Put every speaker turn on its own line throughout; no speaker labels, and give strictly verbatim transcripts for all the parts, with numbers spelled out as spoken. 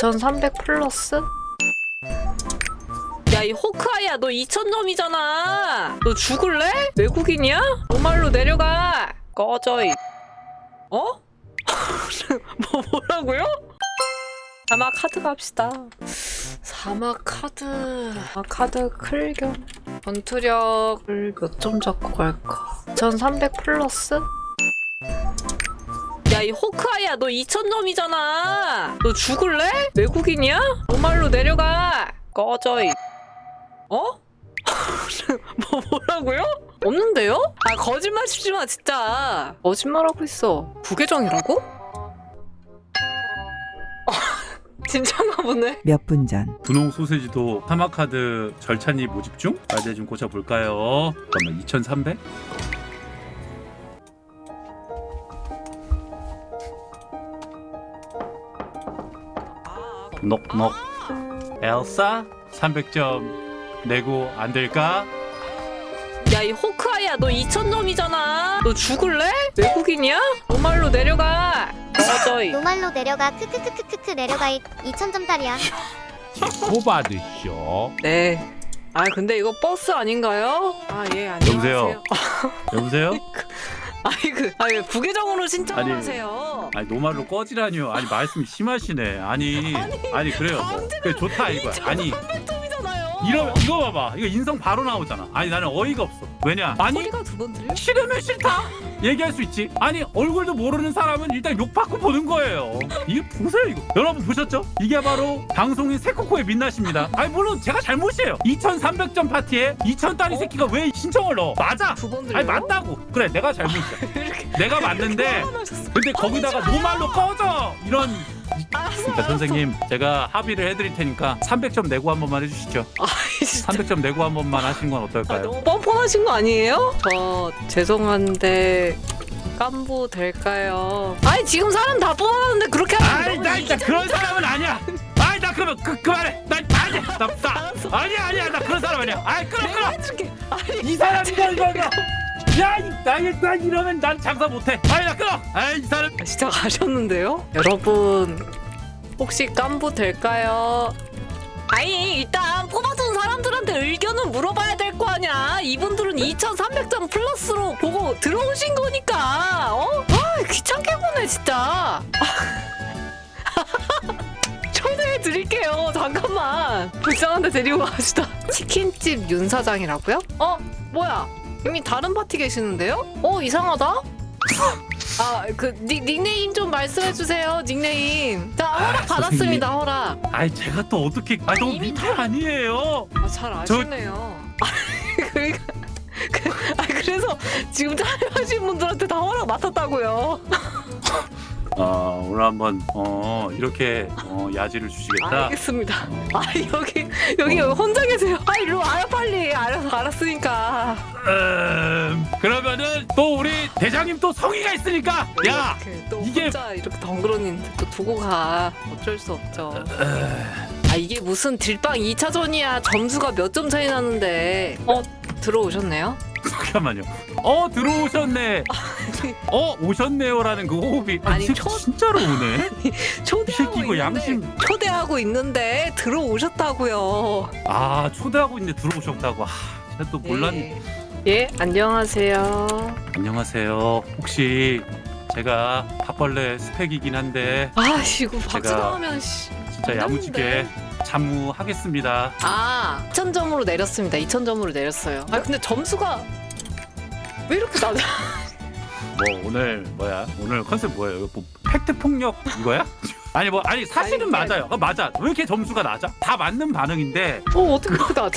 이천삼백 플러스? 야, 이 호크아이야, 너 이천 점이잖아. 너 죽을래? 외국인이야? 노말로 내려가. 꺼져. 이... 어? 뭐 뭐라고요? 사막 카드 갑시다. 사막 카드. 사막 카드 클겸. 전투력을 몇 점 잡고 갈까? 이천삼백 플러스? 야, 이 호크아이야, 너 이천 점이잖아. 너 죽을래? 외국인이야? 노말로 내려가. 꺼져. 이... 어? 뭐 뭐라고요? 없는데요? 아, 거짓말 치지 마, 진짜. 거짓말하고 있어. 부계정이라고? 진짜가 보네.
몇 분 전
분홍 소세지도 사막카드 절찬리 모집 중? 아, 이제 좀 고쳐볼까요? 잠깐만, 이천삼백? 녹녹. 엘사? 삼백 점 내고 안 될까?
야, 이 호크아이야, 너 이천 점이잖아. 너 죽을래? 외국인이야? 노말로 내려가. 꺼져. 이...
노말로 내려가 크크크크크크 내려가 이천 점짜리야.
뽑아드쇼.
네. 아, 근데 이거 버스 아닌가요? 아, 예, 안녕하세요.
여보세요? 여보세요?
아이, 그, 아니, 왜 부계정으로 신청을
아니,
하세요?
아니 노말로 꺼지라니요. 아니 말씀이 심하시네. 아니 아니 그래요. 뭐. 그래 좋다 이거야. 아니
이천삼백 점이잖아요.
이러 이거 봐봐. 이거 인성 바로 나오잖아. 아니 나는 어이가 없어. 왜냐? 아니
소리가 두 번 들려?
싫으면 싫다. 얘기할 수 있지. 아니 얼굴도 모르는 사람은 일단 욕받고 보는 거예요. 이거 보세요 이거. 여러분 보셨죠? 이게 바로 방송인 새코코의 민낯입니다. 아니 물론 제가 잘못이에요. 이천삼백 점 파티에 이천 딸이 새끼가 왜 신청을 넣어? 맞아.
두 번 들려?
아니 맞다고. 그래 내가 잘못이야. 내가 맞는데 근데 거기다가 노말로 꺼져 이런. 그러니까 선생님 제가 합의를 해드릴 테니까 삼백 점 내고 한 번만 해주시죠.
아이, 진짜.
삼백 점 내고 한 번만 하시는 건
아,
어떨까요?
너무 뻔뻔하신 거 아니에요? 저 죄송한데 깐부 될까요? 아니, 지금 사람 다 뽑았는데 그렇게 하면
아이
너무
나 진짜 그런 사람은 아니야. 아이 나 그러면 그 그만해. 나 아니야. 나, 나 아니야 아니야 나 그런 사람 아니야. 아이 끌어
내가
끌어.
해줄게. 아니,
이 사람이다 이거 이거. 야나 이러면 난 장사 못해. 아이 나 끌어. 아이 이 사람.
진짜 가셨는데요? 여러분, 혹시 깐부 될까요? 아니, 일단 뽑아준 사람들한테 의견은 물어봐야 될 거 아니야. 이분들은 이천삼백 점 플러스로 보고 들어오신 거니까. 어? 아, 귀찮게 보네 진짜. 초대해 드릴게요. 잠깐만. 불쌍한데 데리고 가시다. 치킨집 윤 사장이라고요? 어? 뭐야? 이미 다른 파티 계시는데요? 어, 이상하다. 아, 그 닉, 닉네임 좀 말씀해 주세요. 닉네임. 자, 허락 받았습니다. 허락.
아이 제가 또 어떻게? 아 너무
이미
민폐 아니에요.
아, 잘 아시네요. 그러니까 그, 아, 그래서 지금 참여하신 분들한테 다 허락 맡았다고요.
어 오늘 한번 어 이렇게 어, 야지를 주시겠다.
알겠습니다. 아, 여기 여기
어.
혼자 계세요. 아, 일로 와요 빨리. 알아서 알았으니까.
음, 그러면은 또 우리 대장님 또 성의가 있으니까 야
이렇게 또
이게-
혼자 이렇게 덩그러니는데 또 두고 가. 어쩔 수 없죠. 아, 이게 무슨 딜빵 이 차전이야. 점수가 몇 점 차이 나는데. 어, 들어오셨네요?
잠깐만요. 어 들어오셨네. 어 오셨네요라는 그 호흡이 아니,
아니,
이 새끼
초-
진짜로 오네.
초대하고
새끼 이거
있는데
양심-
초대하고 있는데 들어오셨다고요.
아 초대하고 있는데 들어오셨다고. 아, 제가 또 몰랐.
예. 예, 안녕하세요.
안녕하세요. 혹시 제가 팥벌레 스펙이긴 한데
아이고,
제가-
박수당하면 씨.
진짜
안
야무지게
되는데.
잠무하겠습니다.
아, 이천 점으로 내렸습니다. 이천 점으로 내렸어요. 아, 근데 점수가 왜 이렇게 낮아?
뭐 오늘 뭐야? 오늘 컨셉 뭐예요? 이거 뭐 팩트 폭력 이거야? 아니 뭐 아니 사실은
아니,
맞아요. 어, 맞아. 왜 이렇게 점수가 낮아? 다 맞는 반응인데
어, 어떻게 그렇게 낮아?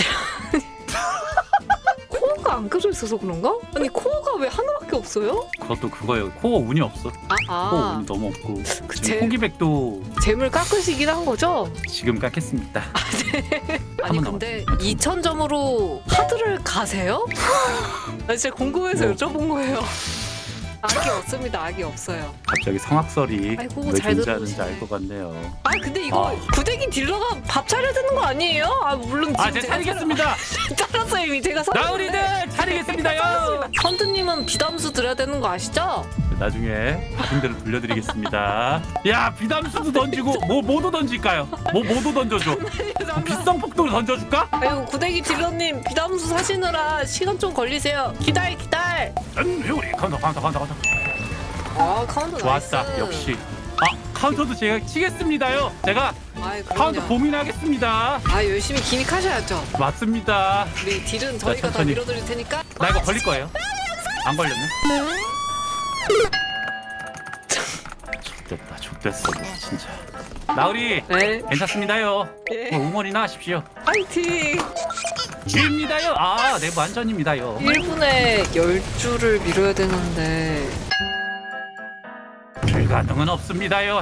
코어가 안 껴져 있어서 그런가? 아니, 코어가 왜 하나밖에 없어요?
그것도 그거예요. 코어 운이 없어.
아,
코어
아,
운이 너무 없고
그
지금
재,
호기백도
재물 깎으시긴 한 거죠?
지금 깎겠습니다.
아니,
한번
근데
남았어요.
이천 점으로 하드를 가세요? 나 진짜 궁금해서
뭐.
여쭤본 거예요. 악이 없습니다. 악이 없어요.
갑자기 성악설이
아이고,
왜
잘
존재하는지
들어오시네.
알 것 같네요.
아, 근데 이거
아.
구데기 딜러가 밥 차려야 되는 거 아니에요? 아, 물론 지금
아, 제가 차리겠습니다.
차렸어요 이미. 제가 선
나으리들 차리겠습니다요.
선두님은 비담수 드려야 되는 거 아시죠?
나중에 받은 대로 돌려드리겠습니다. 야 비담수도 던지고 뭐 뭐도 던질까요? 뭐 뭐도 던져줘. 뭐 비싼 폭도를 던져줄까?
아유 구데기 딜러님 비담수 사시느라 시간 좀 걸리세요. 기다려 기다려.
전 회오리 카운터 카운터 카운터 카운터.
아 카운터
좋았다.
나이스.
역시. 아 카운터도 제가 치겠습니다요. 제가
아이
카운터
그럼요.
고민하겠습니다.
아 열심히 기믹하셔야죠.
맞습니다.
우리 딜은 저희가 다
천천히.
밀어드릴 테니까.
나 이거 걸릴 거예요. 안 걸렸네. 좋됐다. 좋됐어. 진짜. 나으리
네.
괜찮습니다요.
예.
뭐 응원이나 하십시오.
파이팅.
입니다요. 아, 네 완전입니다요.
일 분에 열 줄을 밀어야 되는데.
불가능은 없습니다요.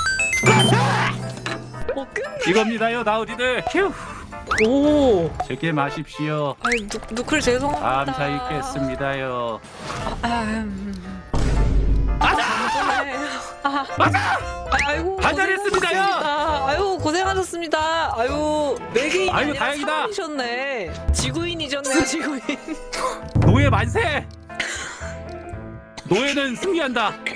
어 끝.
이겁니다요, 나으리들. 휴.
오.
즐겨 마십시오.
아이 누 누클 죄송합니다.
감사 있겠습니다요.
아, 음.
맞아!
아,
맞아!
아, 아이고
한잔했습니다요.
고생하셨습니다. 아유 고생하셨습니다. 아유 매개인이
아이고,
아니라
다행이다.
사람이셨네. 지구인이셨네요 지구인.
노예 만세! 노예는 승리한다.